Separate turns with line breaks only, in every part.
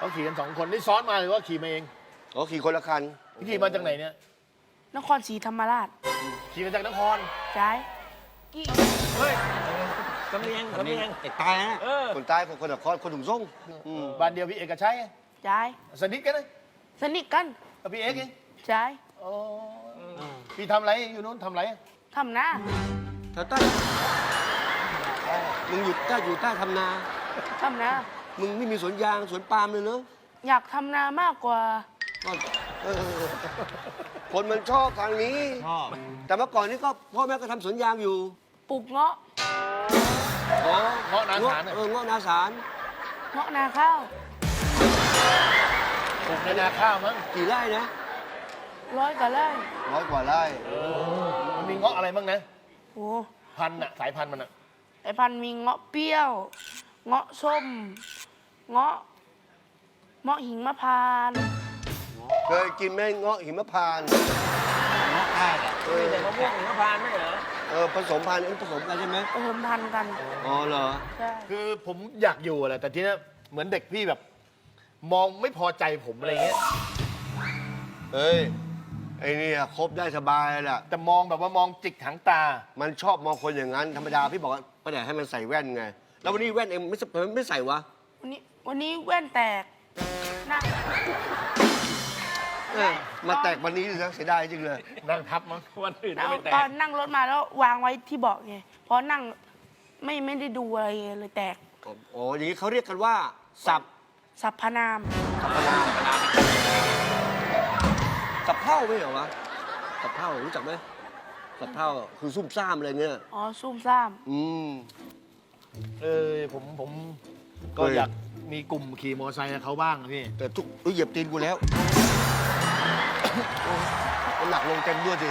เขาขี่กัน2 คนนี่ซ้อนมาหรือว่าขี่มาเอง
อ๋อขี่คนละคัน
ขี่มาจากไหนเนี่ย
นครศรีธรรมราช
ขี่มาจากนคร
ย้ายกี่
เฮ้ยสำเนียงไอ้ตายนะ
คนใต้คนนครคนถุงส่ง
บ้านเดียวพี่เอกกับชัย
ย้าย
สนิทกันนะ
สนิทกัน
กับพี่เอกเอง
ย้าย
อ๋อพี่ทำอะไรอยู่นู้นทำอะไร
ทำหน้า
แถวใต้มึงอยู่ใต้ทำนา
ทำหน้า
มึงไม่มีสวนยางสวนปาล์มเลยเนอะ
อยากทำนามากกว่า
เออคนมันชอบทางนี้
ชอบ
แต่เมื่อก่อนนี้ก็พ่อแม่ก็ทำสวนยางอยู่
ปลูกเงาะ
อ๋อ
เงาะนาสาร
เงาะนาสาร
เงาะนาข้าว
ปลูกในนาข้าวมั้ง
กี่ไร่นะ
100 กว่าไร่
100 กว่าไร่
มันมีเงาะอะไรบ้างนะ
โอ้
พันธุ์อะสายพันธุ์มันอะ
ไอพันธุ์มีเงาะเปรี้ยว เงาะส้ม เงาะหิงมะพร้านต์
เคยกินไหมเงาะหิมพานต์
เงาะได้แหละมีแต่มะม่วงหิมพานต์ไม่เหรอ
ผสมพันธุ์ผสมกันใช่ไหม
ผสมพันธุ์กัน
อ๋อเหรอ
ใช่
คือผมอยากอยู่แหละแต่ทีนี้เหมือนเด็กพี่แบบ มองไม่พอใจผมอะไรเงี้ย
เฮ้ย ไอ้นี่คบได้สบายแหละ
แต่มองแบบว่ามองจิกหางตา
มันชอบมองคนอย่างนั้น ธรรมดาพี่บอกว่าป้าแดดให้มันใส่แว่นไง แล้ววันนี้แว่นเองไม่ใส่วะ
วันนี้แว่นแตกหน้า
มาแตกวันนี้นะเสียดายจริงเลย
นั่งทับมั้ง
วันอื่นก็
เอา
ไม่แต
ตอก นนั่งรถมาแล้ววางไว้ที่เบาะไงเพราะนั่งไม่ได้ดูอะไรเลยแตก
อ๋อ อย่างนี้เขาเรียกกันว่า สับ
สรรพนาม
สับเผ่าไม่เหรอวะ สับเผ่ารู้จักไหมสับเผ่าคือซุ่มซ่ามอะไรเงี้ย
อ๋อซุ่มซ่าม
อืม
ผมก็อยากมีกลุ่มขี่มอเตอร์ไซค์กับเขาบ้างอะพี่
แต่ทุกเหยียบตีนกูแล้วน้ำหนักลงเต็มด้วยสิ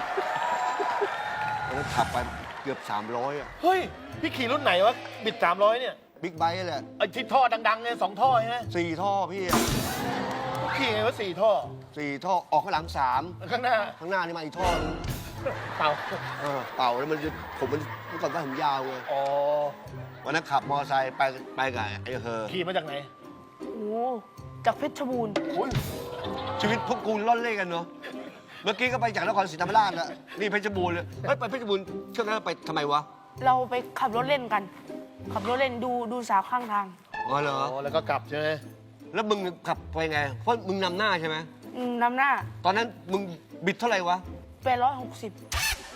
แล้วขับไปเกือบ300อ่ะ
เฮ้ย พี่ขี่รุ่นไหนวะ บิด300เนี่ย
บิ๊กไบค์แหละ
ไอ้ที่ท่อดังๆเนี่ย2 ท่อใช่ไหม
4 ท่อพี่อะ
ขี่ไงวะ4 ท่อ
4 ท่อออกข้างหลัง
ข้างหน้า
3ข้างหน้านี่มาอีกท่อนึง
เต่า
เป่าแล้วมันจะผมมันเมื่อก่อนว่าผมยาวไง
อ๋อ
วันนั้นขับมอเตอร์ไซค์ไปกับไอ้เฮอ
ขี่มาจากไหน
โอ้จากเพชรบูรณ์
อุ้ย
ชีวิตพวกกูล่อนเล่กันเนาะเมื่อกี้ก็ไปจากนครศรีธรรมราชแล้วนี่เพชรบูรณ์เลยเฮ้ยไปเพชรบูรณ์ช่วงนั้นไปทำไมวะ
เราไปขับรถเล่นกัน ขับรถเล่นดูสาวข้างทาง
อ๋อเหรอ
อ๋อ แล้วก็กลับใช่ไหม
แล้วมึงขับไปไงเพราะมึงนำหน้าใช่ไหม
นำหน้า
ตอนนั้นมึงบิดเท่าไหร่วะ
860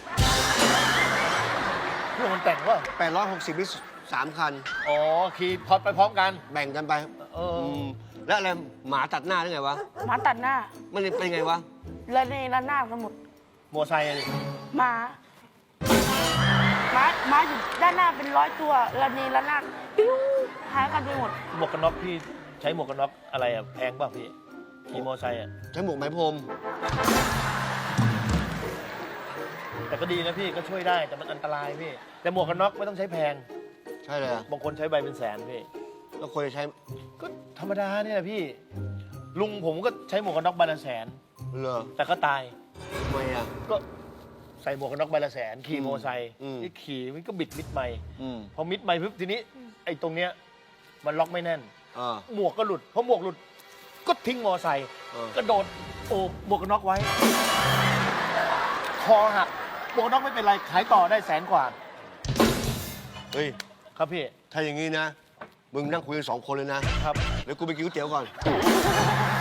เพื่อนมันแต่งว่า
860นี่3 คัน
อ๋อ ขี่พอดไปพร้อมกัน
แบ่งกันไป
เออ
แล้วอะไรหมาตัดหน้าได้ไงวะ
หมาตัดหน้า
มันเป็นไงวะ
และในระนาดกันหมด
มอเตอร์ไซค์อะดิ
หมาอยู่ด้านหน้าเป็น100 ตัวระเนระนาดปิ้วหายกันไปหมด
หมวกกันน็อกพี่ใช้หมวกกันน็อกอะไรอะแพงป่ะพี่ ขี่มอเตอร์ไซค์อะ
ใช้หมวกไหมพรม
แต่ก็ดีนะพี่ก็ช่วยได้แต่มันอันตรายพี่ แต่หมวกกันน็อกไม่ต้องใช้แพง
ใช่เลยอะ
บางคนใช้ใบเป็นแสนพี่
แล้วควรจะใช้
ก็ธรรมดาเนี่ยแหละพี่ ลุงผมก็ใช้หมวกกันน็อกใบละแสน
เหรอ
แต่ก็ตาย
ทำไมอ่ะ
ก็ใส่หมวกกันน็อกใบละแสน ขี่มอเตอร์ไซค์
อืม
นี่ขี่มันก็บิดมิดไม่
อืม
พอมิดไม่ปุ๊บทีนี้ไอ้ตรงเนี้ยมันล็อกไม่แน่น
อ่า
หมวกก็หลุดพอหมวกหลุด ก็ทิ้งมอเตอร์ไซค์
เออ
กระโดดโอบหมวกกันน็อกไว้ คอหักหมวกกันน็อกไม่เป็นไรขายต่อได้100,000 กว่า
เฮ้ย
ครับพี่
ถ้าอย่างนี้นะ มึงนั่งคุยกัน2 คนเลยนะ
ครับ
เดี๋ยวกูไปกินก๋วยเตี๋ยวก่อน